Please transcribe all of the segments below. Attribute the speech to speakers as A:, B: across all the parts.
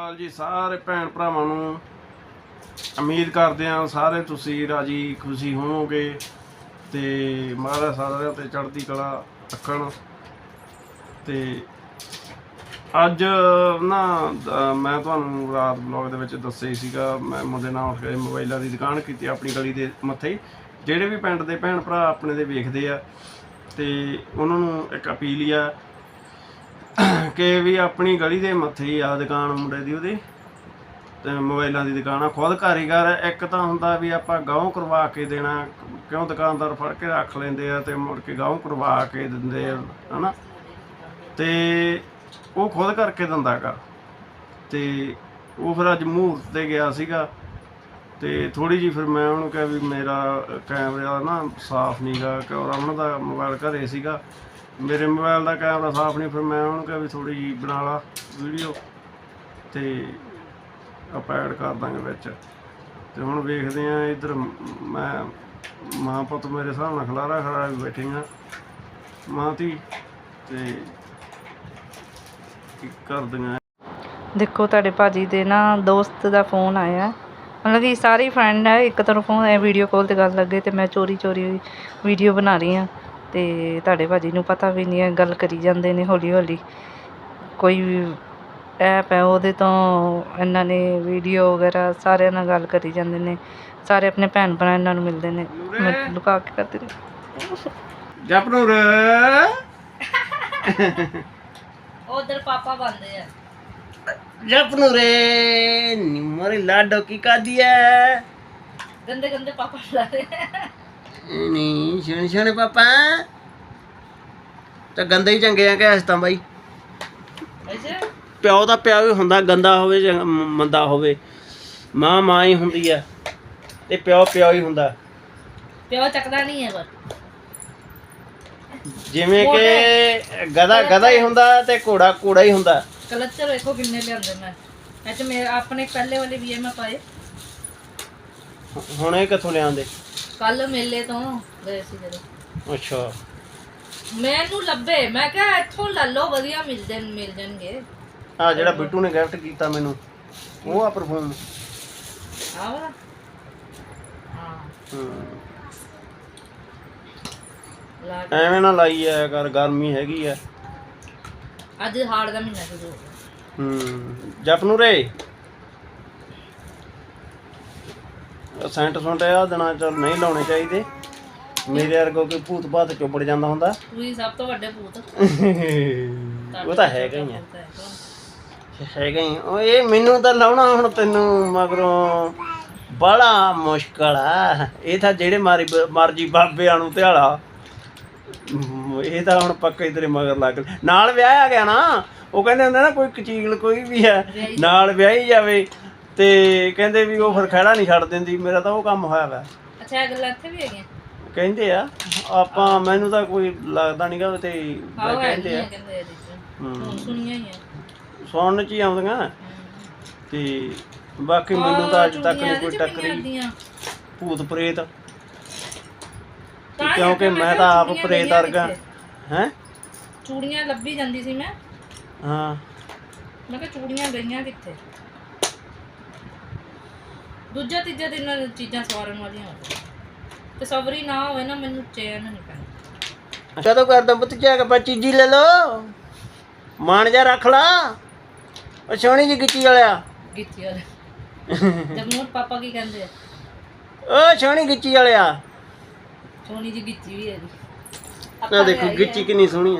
A: ਅਕਾਲ ਜੀ ਸਾਰੇ ਭੈਣ ਭਰਾਵਾਂ ਨੂੰ। ਉਮੀਦ ਕਰਦੇ ਹਾਂ ਸਾਰੇ ਤੁਸੀਂ ਰਾਜੀ ਖੁਸ਼ੀ ਹੋਵੋਗੇ ਤੇ ਮਹਾਰਾਜ ਸਾਰਿਆਂ ਤੇ ਚੜ੍ਹਦੀ ਕਲਾ ਰੱਖਣ। ਤੇ ਅੱਜ ਨਾ ਮੈਂ ਤੁਹਾਨੂੰ ਰਾਤ ਬਲੌਗ ਦੇ ਵਿੱਚ ਦੱਸਿਆ ਹੀ ਸੀਗਾ, ਮੈਂ ਮੁੰਡੇ ਨਾਲ ਉੱਠ ਕੇ ਮੋਬਾਈਲਾਂ ਦੀ ਦੁਕਾਨ ਕੀਤੀ ਆਪਣੀ ਗਲੀ ਦੇ ਮੱਥੇ। ਜਿਹੜੇ ਵੀ ਪਿੰਡ ਦੇ ਭੈਣ ਭਰਾ ਆਪਣੇ ਦੇ ਵੇਖਦੇ ਆ ਤੇ ਉਹਨਾਂ ਨੂੰ ਇੱਕ ਅਪੀਲ ਹੀ ਆ ਕਿ ਵੀ ਆਪਣੀ ਗਲੀ ਦੇ ਮੱਥੇ ਹੀ ਆ ਦੁਕਾਨ ਮੁੰਡੇ ਦੀ, ਉਹਦੀ ਤੇ ਮੋਬਾਈਲਾਂ ਦੀ ਦੁਕਾਨ ਆ। ਖੁਦ ਕਾਰੀਗਰ ਇੱਕ ਤਾਂ ਹੁੰਦਾ ਵੀ ਆਪਾਂ ਗਾਉਂ ਕਰਵਾ ਕੇ ਦੇਣਾ, ਕਿਉਂ ਦੁਕਾਨਦਾਰ ਫੜ ਕੇ ਰੱਖ ਲੈਂਦੇ ਆ ਤੇ ਮੁੜ ਕੇ ਗਾਉਂ ਕਰਵਾ ਕੇ ਦਿੰਦੇ ਆ ਹੈ ਨਾ, ਤੇ ਉਹ ਖੁਦ ਕਰਕੇ ਦਿੰਦਾ ਗਾ। ਤੇ ਉਹ ਫਿਰ ਅੱਜ ਮਹੂਰਤ 'ਤੇ ਗਿਆ ਸੀਗਾ ਤੇ ਥੋੜ੍ਹੀ ਜਿਹੀ ਫਿਰ ਮੈਂ ਉਹਨੂੰ ਕਿਹਾ ਵੀ ਮੇਰਾ ਕੈਮਰਾ ਨਾ ਸਾਫ਼ ਨਹੀਂ ਗਾ, ਕਿਉਂ ਰਮਨ ਦਾ ਮੋਬਾਈਲ ਘਰੇ ਸੀਗਾ, ਮੇਰੇ ਮੋਬਾਈਲ ਦਾ ਕੈਮਰਾ ਸਾਫ਼ ਨਹੀਂ। ਫਿਰ ਮੈਂ ਉਹਨੂੰ ਕਿਹਾ ਵੀ ਥੋੜ੍ਹੀ ਜਿਹੀ ਬਣਾ ਲਾ ਵੀਡੀਓ ਤੇ ਆਪਾਂ ਐਡ ਕਰ ਦਾਂਗੇ ਵਿੱਚ। ਤੇ ਹੁਣ ਵੇਖਦੇ ਹਾਂ ਇੱਧਰ ਮੈਂ ਮਾਂ ਪੁੱਤ ਮੇਰੇ ਹਿਸਾਬ ਨਾਲ ਖਲਾਰਾ ਖੜਾ ਵੀ ਬੈਠੀਆਂ ਮਾਂ ਧੀ ਤੇ ਕੀ ਕਰਦੀਆਂ।
B: ਦੇਖੋ ਤੁਹਾਡੇ ਭਾਜੀ ਦੇ ਨਾ ਦੋਸਤ ਦਾ ਫੋਨ ਆਇਆ, ਮਤਲਬ ਕਿ ਸਾਰੇ ਫਰੈਂਡ ਹੈ ਇੱਕ ਤਰ੍ਹਾਂ ਫੋਨ ਹੈ, ਵੀਡੀਓ ਕਾਲ 'ਤੇ ਗੱਲ ਲੱਗੇ ਤੇ ਮੈਂ ਚੋਰੀ ਵੀਡੀਓ ਬਣਾ ਰਹੀ ਹਾਂ ਤੇ ਤੁਹਾਡੇ ਭਾਜੀ ਨੂੰ ਪਤਾ ਵੀ ਨਹੀਂ ਹੈ, ਗੱਲ ਕਰੀ ਜਾਂਦੇ ਨੇ ਹੌਲੀ ਹੌਲੀ। ਕੋਈ ਵੀ ਐਪ ਹੈ ਉਹਦੇ ਤੋਂ ਇਹਨਾਂ ਨੇ ਵੀਡੀਓ ਵਗੈਰਾ ਸਾਰਿਆਂ ਨਾਲ ਗੱਲ ਕਰੀ ਜਾਂਦੇ ਨੇ, ਸਾਰੇ ਆਪਣੇ ਭੈਣ ਭਰਾ ਇਹਨਾਂ ਨੂੰ ਮਿਲਦੇ ਨੇ, ਮੈਂ ਲੁਕਾ ਕੇ ਕਰਦੀ ਨੇ
A: ਜਪਨੂਰ
B: ਉਧਰ ਪਾਪਾ ਬੰਦੇ ਆ
A: ਜਪਨੂਰੇ ਨਿਮਰੇ ਲਾਡੋ ਕੀ ਕਰਦੀ ਹੈ
B: ਗੰਦੇ ਗੰਦੇ ਪਾਪਾ ਲਾ ਰਹੇ
A: ਨਹੀਂ ਸੋਹਣੇ ਸੋਹਣੇ ਪਾਪਾ ਤਾਂ ਗੰਦੇ ਹੀ ਚੰਗੇ ਆ ਕਿ ਇਸ ਤਾਂ ਬਾਈ।
B: ਅੱਛਾ
A: ਪਿਓ ਦਾ ਪਿਓ ਹੀ ਹੁੰਦਾ, ਗੰਦਾ ਹੋਵੇ ਜਾਂ ਮੰਦਾ ਹੋਵੇ, ਮਾਂ ਮਾਂ ਹੀ ਹੁੰਦੀ ਆ ਤੇ ਪਿਓ ਪਿਓ ਹੀ ਹੁੰਦਾ।
B: ਪਿਓ ਚੱਕਦਾ ਨਹੀਂ ਹੈ ਪਰ
A: ਜਿਵੇਂ ਕਿ ਗਧਾ ਗਧਾ ਹੀ ਹੁੰਦਾ ਤੇ ਘੋੜਾ ਘੋੜਾ ਹੀ ਹੁੰਦਾ।
B: ਕਲਚਰ ਵੇਖੋ ਕਿੰਨੇ ਲਿਆਂਦੇ ਮੈਂ ਅੱਜ ਮੇਰੇ ਆਪਣੇ ਪਹਿਲੇ ਵਾਲੇ ਵੀ ਮੈਂ ਪਾਏ।
A: ਹੁਣ ਇਹ ਕਿੱਥੋਂ ਲਿਆਂਦੇ?
B: ਕੱਲ ਮੇਲੇ ਤੋਂ ਗਏ ਸੀ ਜਦੋਂ।
A: ਅੱਛਾ
B: ਮੈਨੂੰ ਲੱਭੇ, ਮੈਂ ਕਿਹਾ ਇੱਥੋਂ ਲੈ ਲਓ ਵਧੀਆ ਮਿਲ ਜਾਣਗੇ।
A: ਆ ਜਿਹੜਾ ਬਿੱਟੂ ਨੇ ਗਿਫਟ ਕੀਤਾ ਮੈਨੂੰ ਉਹ ਆ ਪਰਫਿਊਮ।
B: ਆ ਵਾਲਾ ਹਾਂ ਲਾ ਕੇ।
A: ਐਵੇਂ ਨਾ ਲਾਈ ਆ ਕਰ, ਗਰਮੀ ਹੈਗੀ ਆ
B: ਅੱਜ ਹਾੜ ਦਾ ਮਹੀਨਾ ਸ਼ੁਰੂ ਹੋ ਗਿਆ।
A: ਜਪਨੂਰੇ ਸੈਂਟ ਸੁੰਟ ਆ ਦਿਨਾਂ ਚ ਨਹੀਂ ਲਾਉਣੇ ਚਾਹੀਦੇ, ਮੇਰੇ ਵਰਗਾ ਕੋਈ ਭੂਤ ਭਾਤ ਚੁੱਪੜ ਜਾਂਦਾ ਹੁੰਦਾ।
B: ਤੁਸੀਂ ਸਭ ਤੋਂ ਵੱਡੇ ਭੂਤ
A: ਉਹ ਤਾਂ ਹੈਗਾ ਹੀ ਆ, ਹੈਗਾ ਹੀ। ਉਹ ਇਹ ਮੈਨੂੰ ਤਾਂ ਲਾਉਣਾ ਹੁਣ ਤੈਨੂੰ ਮਗਰੋਂ ਬੜਾ ਮੁਸ਼ਕਲ ਆ। ਇਹ ਤਾਂ ਜਿਹੜੇ ਮਰਜੀ ਬਾਬਿਆਂ ਨੂੰ ਧਿਆਲਾ, ਇਹ ਤਾਂ ਹੁਣ ਪੱਕਾ ਹੀ ਤੇਰੇ ਮਗਰ ਲੱਗ ਨਾਲ ਵਿਆਹਿਆ ਗਿਆ ਨਾ। ਉਹ ਕਹਿੰਦੇ ਹੁੰਦੇ ਨਾ ਕੋਈ ਕਚੀਲ ਕੋਈ ਵੀ ਹੈ ਨਾਲ ਵਿਆਹੀ ਜਾਵੇ ਤੇ ਕਹਿੰਦੇ ਵੀ ਉਹ ਫਿਰ ਖਹਿੜਾ ਨਹੀਂ ਛੱਡ ਦਿੰਦੀ। ਮੇਰਾ ਤਾਂ ਉਹ ਕੰਮ ਹੋਇਆ ਵਾ।
B: ਅੱਛਾ ਇਹ ਗੱਲਾਂ ਇੱਥੇ ਵੀ ਹੈਗੀਆਂ
A: ਕਹਿੰਦੇ ਆ ਆਪਾਂ, ਮੈਨੂੰ ਤਾਂ ਕੋਈ ਲੱਗਦਾ ਨਹੀਂਗਾ ਤੇ ਕਹਿੰਦੇ ਆ
B: ਸੁਣੀਆਂ ਹੀ ਆ,
A: ਸੁਣਨ ਚ ਹੀ ਆਉਂਦੀਆਂ ਤੇ ਬਾਕੀ ਮੈਨੂੰ ਤਾਂ ਅੱਜ ਤੱਕ ਨਹੀਂ ਕੋਈ ਟੱਕਰੀ ਭੂਤ ਪ੍ਰੇਤ, ਕਿਉਂਕਿ ਮੈਂ ਤਾਂ ਆਪ ਪ੍ਰੇਤ ਵਰਗਾ। ਹੈ
B: ਚੂੜੀਆਂ ਲੱਭੀ ਜਾਂਦੀ ਸੀ ਮੈਂ।
A: ਹਾਂ
B: ਮੈਂ ਕਿਹਾ ਚੂੜੀਆਂ ਗਈਆਂ ਕਿੱਥੇ। ਦੂਜਾ ਤੀਜਾ ਦਿਨ ਚੀਜ਼ਾਂ ਸਵਾਰਨ ਵਾਲੀਆਂ ਹੋਣ ਤੇ ਸਬਰੀ ਨਾ ਹੋਵੇ ਨਾ ਮੈਨੂੰ ਚੈਨ ਨਹੀਂ ਪੈਂਦਾ।
A: ਕਦੋਂ ਕਰਦਾ ਪੁੱਤ ਜਾ ਕੇ ਚੀਜ਼ੀ ਲੈ ਲੋ, ਮਾਣ ਜਾ ਰੱਖ ਲਾ। ਉਹ ਸੋਹਣੀ ਜੀ ਗਿੱਚੀ ਵਾਲਿਆ,
B: ਗਿੱਚੀ ਵਾਲੇ ਜਗਮੋਹਨ ਪਾਪਾ ਕੀ ਕਹਿੰਦੇ ਆ?
A: ਉਹ ਸੋਹਣੀ ਗਿੱਚੀ ਵਾਲਿਆ।
B: ਸੋਹਣੀ ਜੀ ਗਿੱਚੀ ਵੀ ਹੈ ਜੀ।
A: ਆ ਦੇਖੋ ਗਿੱਚੀ ਕਿੰਨੀ ਸੋਹਣੀ ਆ,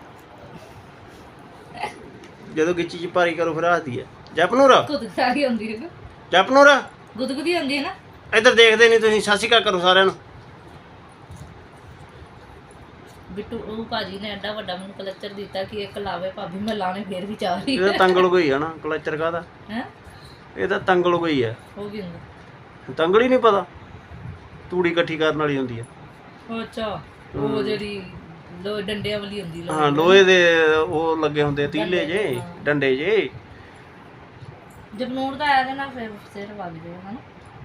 A: ਜਦੋਂ ਗਿੱਚੀ ਚ ਭਾਰੀ ਕਰੋ ਫਿਰ ਹੱਸਦੀ ਆ। ਜਪਨੂਰ
B: ਗੁਦਗੁਦੀ ਹੁੰਦੀ ਹੈ ਨਾ,
A: ਜਪਨੂਰ
B: ਗੁਦਗੁਦੀ ਹੁੰਦੀ ਹੈ ਨਾ।
A: ਇੱਧਰ ਦੇਖਦੇ ਨਹੀਂ ਤੁਸੀਂ, ਸਤਿ ਸ਼੍ਰੀ ਅਕਾਲ ਕਰੋ ਸਾਰਿਆਂ ਨੂੰ।
B: ਬਿੱਟੂ ਉਹ ਭਾਜੀ ਨੇ ਐਡਾ ਵੱਡਾ ਮੈਨੂੰ ਕਲਚਰ ਦਿੱਤਾ ਕਿ ਇੱਕ ਲਾਵੇ ਭਾਬੀ ਮੈਂ ਲਾਣੇ ਫੇਰ ਵੀ ਚਾਹ ਰਹੀ।
A: ਇਹ ਤਾਂ ਤੰਗਲ ਕੋਈ ਆ ਨਾ, ਕਲਚਰ ਕਾਹਦਾ
B: ਹੈ?
A: ਇਹ ਤਾਂ ਤੰਗਲ ਕੋਈ ਆ।
B: ਉਹ ਕੀ ਹੁੰਦਾ?
A: ਤੰਗਲ ਹੀ ਨਹੀਂ ਪਤਾ, ਤੂੜੀ ਇਕੱਠੀ ਕਰਨ ਵਾਲੀ ਹੁੰਦੀ ਆ।
B: ਅੱਛਾ ਉਹ ਜਿਹੜੀ ਡੰਡਿਆਂ ਵਾਲੀ ਹੁੰਦੀ।
A: ਹਾਂ ਲੋਹੇ ਦੇ ਉਹ ਲੱਗੇ ਹੁੰਦੇ ਆ ਤੀਲੇ ਜੇ, ਡੰਡੇ ਜੇ।
B: ਜਗਨੂਰ ਦਾ ਆਇਆ ਨਾ ਫਿਰ ਸਿਰ ਵੱਜ ਗਿਆ ਹਨ।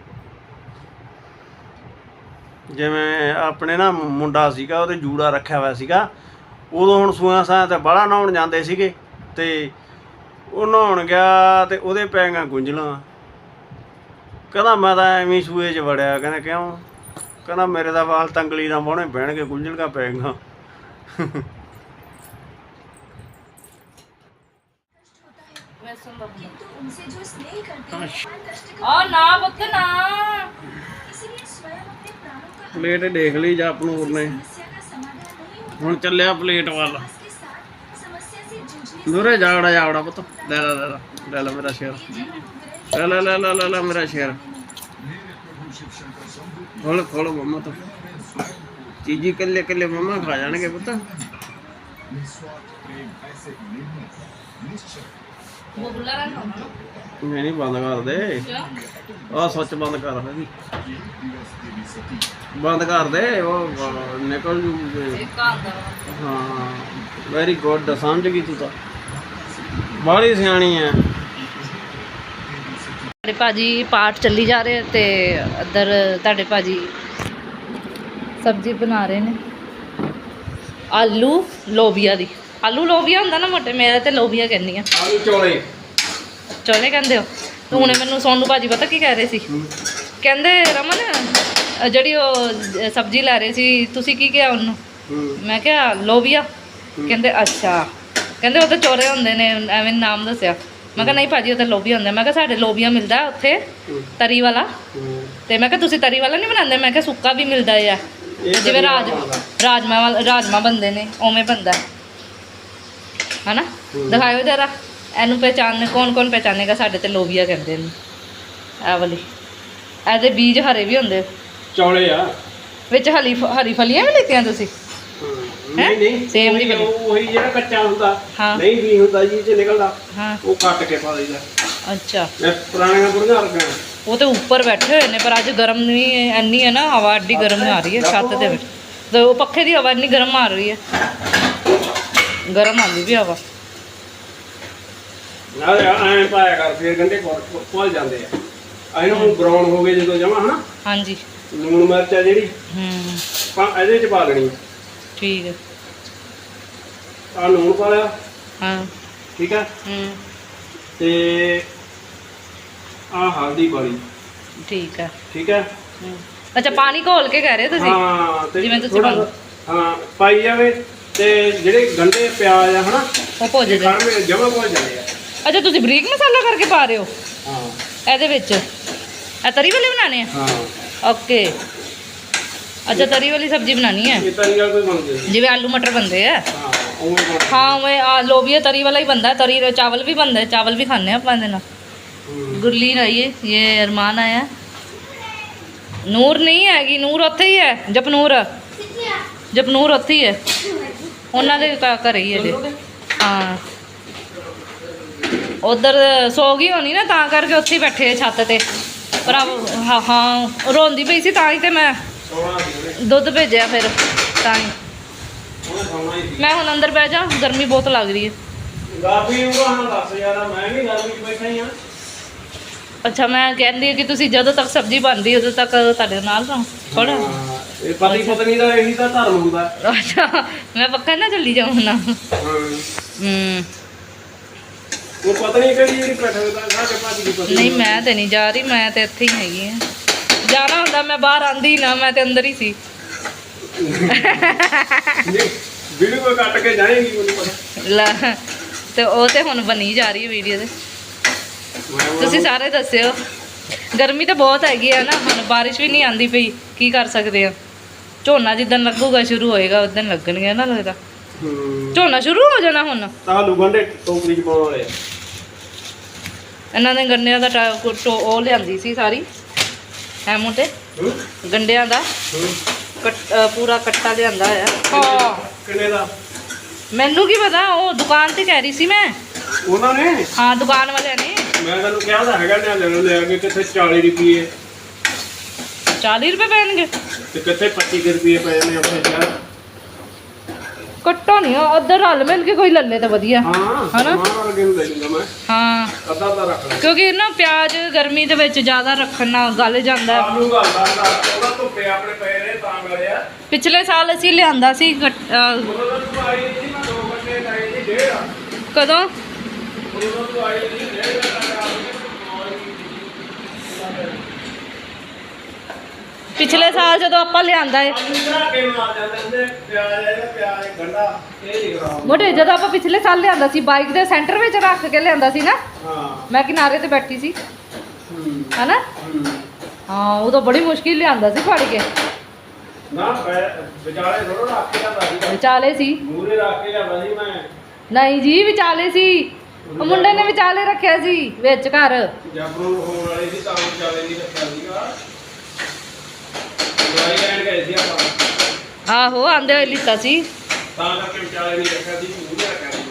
A: ਜਿਵੇਂ ਆਪਣੇ ਨਾ ਮੁੰਡਾ ਸੀਗਾ, ਉਹਦੇ ਜੂੜਾ ਰੱਖਿਆ ਹੋਇਆ ਸੀਗਾ, ਉਦੋਂ ਹੁਣ ਸੂਆਂ ਸਾਂ ਤੇ ਬਾਹਲਾ ਨਹਾਉਣ ਜਾਂਦੇ ਸੀਗੇ ਤੇ ਉਹ ਨਹਾਉਣ ਗਿਆ ਤੇ ਉਹਦੇ ਪੈ ਗਈਆਂ ਗੁੰਝਲਾਂ। ਕਹਿੰਦਾ ਮੈਂ ਤਾਂ ਐਵੇਂ ਹੀ ਸੂਏ 'ਚ ਵੜਿਆ। ਕਹਿੰਦਾ ਕਿਉਂ? ਕਹਿੰਦਾ ਮੇਰੇ ਦਾ ਵਾਲ ਤੰਗਲੀ ਦਾ ਮੋਹਣੇ ਬਹਿਣਗੇ, ਗੁੰਝਲਾਂ ਪੈ ਗਈਆਂ। ਪਲੇਟ ਦੇਖ ਲਈ ਜਾਂ ਆਪਣੂਰ ਨੇ। ਹੁਣ ਚੱਲਿਆ ਪਲੇਟ ਵੱਲ। ਨੂਰੇ ਜਾਵੜਾ ਪੁੱਤ। ਲੈ ਲੈ ਮੇਰਾ ਸ਼ੇਰ। ਲੈ ਮੇਰਾ ਸ਼ੇਰ। ਖੋਲ ਮੰਮਾ ਤੋਂ ਚੀਜ਼ੀ ਕੱਲੇ ਮੰਮਾ ਖਾ ਜਾਣਗੇ ਪੁੱਤ। ਨਹੀਂ ਬੰਦ ਕਰ ਦੇ। ਆਹ ਸੱਚ ਬੰਦ ਕਰ ਇਹਦੀ। ਬੰਦ ਕਰ ਦੇ, ਉਹ ਨਿਕਲ ਜੂ। ਹਾਂ ਵੈਰੀ ਗੁੱਡ, ਸਮਝ ਗਈ ਤੂੰ ਤਾਂ, ਬਾਹਲੀ ਸਿਆਣੀ ਹੈ।
B: ਤੁਹਾਡੇ ਭਾਜੀ ਪਾਠ ਚੱਲੀ ਜਾ ਰਹੇ ਤੇ ਇੱਧਰ ਤੁਹਾਡੇ ਭਾਜੀ ਸਬਜ਼ੀ ਬਣਾ ਰਹੇ ਨੇ ਆਲੂ ਲੋਬੀਆ ਦੀ। ਆਲੂ ਲੋਬੀਆ ਹੁੰਦਾ ਨਾ ਮੋਟੇ, ਮੇਰੇ ਤੇ ਲੋਬੀਆ ਕਹਿੰਦੀ ਆ।
A: ਆਲੂ ਚੋਲੇ
B: ਕਹਿੰਦੇ ਹੋ। ਤੇ ਹੁਣੇ ਮੈਨੂੰ ਸੋਨੂ ਭਾਜੀ ਪਤਾ ਕੀ ਕਹਿ ਰਹੇ ਸੀ? ਕਹਿੰਦੇ ਰਮਨ ਜਿਹੜੀ ਉਹ ਸਬਜ਼ੀ ਲੈ ਰਹੇ ਸੀ ਤੁਸੀਂ ਕੀ ਕਿਹਾ ਉਹਨੂੰ? ਮੈਂ ਕਿਹਾ ਲੋਬੀਆ। ਕਹਿੰਦੇ ਅੱਛਾ। ਕਹਿੰਦੇ ਉਹ ਤਾਂ ਚੋਲੇ ਹੁੰਦੇ ਨੇ, ਐਵੇਂ ਨਾਮ ਦੱਸਿਆ। ਮੈਂ ਕਿਹਾ ਨਹੀਂ ਭਾਜੀ ਉਹ ਤਾਂ ਲੋਬੀਆ ਹੁੰਦਾ। ਮੈਂ ਕਿਹਾ ਸਾਡੇ ਲੋਬੀਆ ਮਿਲਦਾ ਉੱਥੇ ਤਰੀ ਵਾਲਾ। ਤੇ ਮੈਂ ਕਿਹਾ ਤੁਸੀਂ ਤਰੀ ਵਾਲਾ ਨਹੀਂ ਬਣਾਉਂਦੇ? ਮੈਂ ਕਿਹਾ ਸੁੱਕਾ ਵੀ ਮਿਲਦਾ ਆ, ਜਿਵੇਂ ਰਾਜਮਾ ਬਣਦੇ ਨੇ ਉਵੇਂ ਬਣਦਾ ਹੈ ਨਾ। ਦਿਖਾਇਓ ਜਰਾ ਇਹਨੂੰ ਪਹਿਚਾਨ, ਕੌਣ ਪਹਿਚਾਨੇਗਾ? ਸਾਡੇ ਤੇ ਲੋਬੀਆ ਕਹਿੰਦੇ ਨੇ ਇਹ ਵਾਲੀ। ਇਹਦੇ ਬੀਜ ਹਰੇ ਵੀ ਹੁੰਦੇ
A: ਚੌਲੇ ਆ
B: ਵਿੱਚ। ਹਰੀ ਫਲੀਆਂ ਵੀ ਲਿੱਤੀਆਂ ਤੁਸੀਂ?
A: ਨਹੀਂ ਸੇਮ ਨਹੀਂ, ਉਹੀ ਜਿਹੜਾ ਕੱਚਾ ਹੁੰਦਾ ਨਹੀਂ ਵੀ ਹੁੰਦਾ ਜੀ ਚ ਨਿਕਲਦਾ, ਉਹ ਕੱਟ ਕੇ ਪਾ ਦਈਦਾ। ਅੱਛਾ ਪੁਰਾਣੀਆਂ ਬੁੜੀਆਂ ਵਰਗੀਆਂ। ਉਹ ਤੇ ਉੱਪਰ ਬੈਠੇ ਹੋਏ ਨੇ, ਪਰ ਅੱਜ ਗਰਮ ਵੀ ਇੰਨੀ ਹੈ ਨਾ, ਹਵਾ ਐਡੀ ਗਰਮ ਆ ਰਹੀ ਹੈ ਛੱਤ ਦੇ ਵਿੱਚ। ਤੇ ਉਹ ਪੱਖੇ ਦੀ ਹਵਾ ਇੰਨੀ ਗਰਮ ਆ ਰਹੀ ਹੈ, ਗਰਮ ਆਉਂਦੀ ਵੀ ਹਵਾ। ਐਂ ਪਾਇਆ ਕਰ ਫਿਰ ਗੰਢੇ ਭੁੱਲ ਜਾਂਦੇ ਆ। ਇਹਨੂੰ ਬਰਾਉਨ ਹੋ ਗਏ ਜਦੋਂ ਜਮਾ ਹਨਾ। ਹਾਂਜੀ ਲੂਣ ਮਿਰਚ ਆ ਜਿਹੜੀ ਇਹਦੇ ਚ ਪਾ ਲੈਣੀ। ਠੀਕ ਹੈ। ਆ ਲੂਣ ਪਾ ਲਿਆ। ਹਾਂ ਠੀਕ ਹੈ। ਤੇ ਆ ਹਲਦੀ ਪਾ ਲਈ। ਠੀਕ ਹੈ। ਅੱਛਾ ਪਾਣੀ ਘੋਲ ਕੇ ਕਹਿ ਰਹੇ ਤੁਸੀਂ? ਹਾਂ ਜਿਵੇਂ ਤੁਸੀਂ ਹਾਂ ਪਾਈ ਜਾਵੇ ਤੇ ਜਿਹੜੇ ਗੰਢੇ ਪਿਆਜ਼ ਆ ਹਨਾ ਉਹ ਭੁੱਜ ਜਾਣ, ਜਮਾ ਭੁੱਜ ਜਾਂਦੇ ਆ। ਅੱਛਾ ਤੁਸੀਂ ਬਰੀਕ ਮਸਾਲਾ ਕਰਕੇ ਪਾ ਰਹੇ ਹੋ? ਹਾਂ ਇਹਦੇ ਵਿੱਚ ਇਹ ਤਰੀ ਵਾਲੇ ਬਣਾਉਣੇ ਆ? ਹਾਂ ਓਕੇ। ਅੱਛਾ ਤਰੀ ਵਾਲੀ ਸਬਜ਼ੀ ਬਣਾਉਣੀ ਹੈ? ਇਹ ਤਰੀ ਵਾਲੀ ਬਣਦੀ ਜਿਵੇਂ ਆਲੂ ਮਟਰ ਬਣਦੇ ਆ। ਹਾਂ ਉਵੇਂ ਆ ਲੋਬੀਆ ਤਰੀ ਵਾਲਾ ਹੀ ਬਣਦਾ। ਤਰੀ ਚਾਵਲ ਵੀ ਬਣਦਾ, ਚਾਵਲ ਵੀ ਖਾਂਦੇ ਆਪਾਂ ਇਹਦੇ ਨਾਲ। ਗੁਰਲੀਨ ਆਈ ਹੈ, ਇਹ ਅਰਮਾਨ ਆਇਆ। ਨੂਰ ਨਹੀਂ ਹੈਗੀ, ਨੂਰ ਉੱਥੇ ਹੀ ਹੈ। ਜਪਨੂਰ ਉੱਥੇ ਹੀ ਹੈ, ਉਹਨਾਂ ਦੇ ਘਰੇ ਹੀ ਹੈ ਜੇ। ਹਾਂ ਉਧਰ ਸੋ ਗਈ ਹੋਣੀ ਨਾ, ਤਾਂ ਕਰਕੇ ਉੱਥੇ ਹੀ ਬੈਠੇ ਆ ਛੱਤ ਤੇ। ਪਰ ਹਾਂ ਰੋਂਦੀ ਪਈ ਸੀ ਤਾਂ ਹੀ ਤੇ ਮੈਂ ਦੁੱਧ ਭੇਜਿਆ ਫਿਰ ਤਾਂ ਹੀ। ਮੈਂ ਹੁਣ ਅੰਦਰ ਬਹਿ ਜਾ, ਗਰਮੀ ਬਹੁਤ ਲੱਗ ਰਹੀ ਹੈ। ਅੱਛਾ ਮੈਂ ਕਹਿੰਦੀ ਕਿ ਤੁਸੀਂ ਜਦੋਂ ਤੱਕ ਸਬਜ਼ੀ ਬਣਦੀ ਉਦੋਂ ਤੱਕ ਤੁਹਾਡੇ ਨਾਲ ਰਹੋ ਥੋੜਾ। ਇਹ ਪਤੀ ਪਤਨੀ ਦਾ ਇਹੀ ਤਾਂ ਧਰਮ ਹੁੰਦਾ। ਅੱਛਾ ਮੈਂ ਪੱਕਾ ਨਾ ਚੱਲੀ ਜਾਵਾਂ ਨਾ। ਉਹ ਪਤਨੀ ਕਿਹੜੀ ਜਿਹੜੀ ਬੈਠੇ ਦਾ ਸਾਡੇ ਭਾਜੀ ਦੀ ਪਤਨੀ? ਨਹੀਂ ਮੈਂ ਤੇ ਨਹੀਂ ਜਾ ਰਹੀ, ਮੈਂ ਤੇ ਇੱਥੇ ਹੀ ਹੈਗੀ ਆ। ਜਾਣਾ ਹੁੰਦਾ ਮੈਂ ਬਾਹਰ ਆਂਦੀ ਨਾ, ਮੈਂ ਤੇ ਅੰਦਰ ਹੀ ਸੀ। ਵੀਡੀਓ ਕੱਟ ਕੇ ਜਾਏਗੀ ਮੈਨੂੰ ਪਤਾ। ਤੇ ਉਹ ਤੇ ਹੁਣ ਬਣੀ ਜਾ ਰਹੀ ਹੈ ਵੀਡੀਓ ਤੇ। ਤੁਸੀਂ ਸਾਰੇ ਦੱਸਿਓ। ਗਰਮੀ ਤਾਂ ਬਹੁਤ ਹੈਗੀ ਆ ਨਾ, ਹੁਣ ਬਾਰਿਸ਼ ਵੀ ਨਹੀਂ ਆਂਦੀ ਪਈ, ਕੀ ਕਰ ਸਕਦੇ ਆ। ਝੋਨਾ ਜਿੱਦਣ ਲੱਗੂਗਾ ਸ਼ੁਰੂ ਹੋਏਗਾ ਉਦੋਂ ਲੱਗਣਗੇ ਨਾ, ਲੱਗਦਾ ਝੋਨਾ ਸ਼ੁਰੂ ਹੋ ਜਾਣਾ ਹੁਣ। ਆਲੂ ਗੰਢੇ ਟੋਕਰੀ ਚ ਪਾਉਣ ਵਾਲੇ ਇਹਨਾਂ ਨੇ ਗੰਢਿਆਂ ਦਾ ਉਹ ਲਿਆਂਦੀ ਸੀ ਸਾਰੀ ਐਮੋ ਤੇ ਗੰਢਿਆਂ ਦਾ ਪੂਰਾ ਕੱਟਾ ਲਿਆਂਦਾ ਹੋਇਆ। ਹਾਂ ਕਿੰਨੇ ਦਾ? ਮੈਨੂੰ ਕੀ ਪਤਾ, ਉਹ ਦੁਕਾਨ ਤੇ ਕਹਿ ਰਹੀ ਸੀ ਮੈਂ। ਉਹਨਾਂ ਨੇ? ਹਾਂ ਦੁਕਾਨ ਵਾਲਿਆਂ ਨੇ। ਮੈਂ ਤੈਨੂੰ ਕਿਹਾ ਤਾਂ ਹੈਗਾ ਨਾ ਲੈ ਕੇ ਕਿੱਥੇ 40 ਰੁਪਏ। 40 ਰੁਪਏ ਪੈਣਗੇ ਤੇ ਕਿੱਥੇ 25 ਰੁਪਏ ਪਏ ਨੇ ਆਪਣੇ ਸ਼ਹਿਰ। ਕੱਟੋ ਨਹੀਂ ਉੱਧਰ ਰਲ ਮਿਲ ਕੇ ਕੋਈ ਲੱਲੇ ਤਾਂ ਵਧੀਆ ਹਨਾ। ਹਾਂ ਕਿਉਂਕਿ ਨਾ ਪਿਆਜ਼ ਗਰਮੀ ਦੇ ਵਿੱਚ ਜ਼ਿਆਦਾ ਰੱਖਣ ਨਾਲ ਗਲ ਜਾਂਦਾ। ਪਿਛਲੇ ਸਾਲ ਅਸੀਂ ਲਿਆਂਦਾ ਸੀ। ਕਦੋਂ? ਜਦੋਂ ਤੂੰ ਆਈ ਨਹੀਂ ਡੇਢ ਘੰਟਾ
B: ਪਿਛਲੇ ਸਾਲ ਜਦੋਂ ਆਪਾਂ ਲਿਆਂਦਾ ਏ
A: ਕੇ ਮਾਰ ਜਾਂਦੇ ਹੁੰਦੇ ਪਿਆਜ਼ ਗੰਡਾ ਇਹ ਨਹੀਂ ਖਰਾਬ
B: ਮੋਟੇ, ਜਦੋਂ ਆਪਾਂ ਪਿਛਲੇ ਸਾਲ ਲਿਆਂਦਾ ਸੀ ਬਾਈਕ ਦੇ ਸੈਂਟਰ ਵਿੱਚ ਰੱਖ ਕੇ ਲਿਆਂਦਾ ਸੀ ਨਾ,
A: ਹਾਂ
B: ਮੈਂ ਕਿਨਾਰੇ ਤੇ ਬੈਠੀ ਸੀ ਹਨਾ। ਹਾਂ ਉਦੋਂ ਬੜੀ ਮੁਸ਼ਕਿਲ ਲਿਆਂਦਾ ਸੀ ਫੜ ਕੇ,
A: ਨਾ ਵਿਚਾਲੇ ਥੋੜਾ ਰੱਖ ਕੇ ਜਾਂਦਾ ਸੀ
B: ਵਿਚਾਲੇ ਸੀ।
A: ਮੂਰੇ ਰੱਖ ਕੇ ਜਾਂਦਾ ਸੀ ਮੈਂ।
B: ਨਹੀਂ ਜੀ ਵਿਚਾਲੇ ਸੀ, ਉਹ ਮੁੰਡੇ ਨੇ ਵਿਚਾਲੇ ਰੱਖਿਆ ਸੀ ਵਿੱਚ ਘਰ।
A: ਜਬਰੂ ਹੋਣ ਵਾਲੀ ਸੀ ਤਾਂ ਵਿਚਾਲੇ ਨਹੀਂ ਰੱਖਿਆ ਸੀਗਾ। ਦਵਾਈ ਲੈਣ ਗਏ ਸੀ ਆਪਾਂ,
B: ਆਹੋ ਆਂਦੇ ਹੋਏ ਲਿੱਤਾ ਸੀ।
A: ਤਾਂ ਕਰਕੇ ਵਿਚਾਲੇ ਨਹੀਂ ਰੱਖਿਆ ਸੀ, ਮੂਰੇ ਰੱਖਿਆ ਸੀ।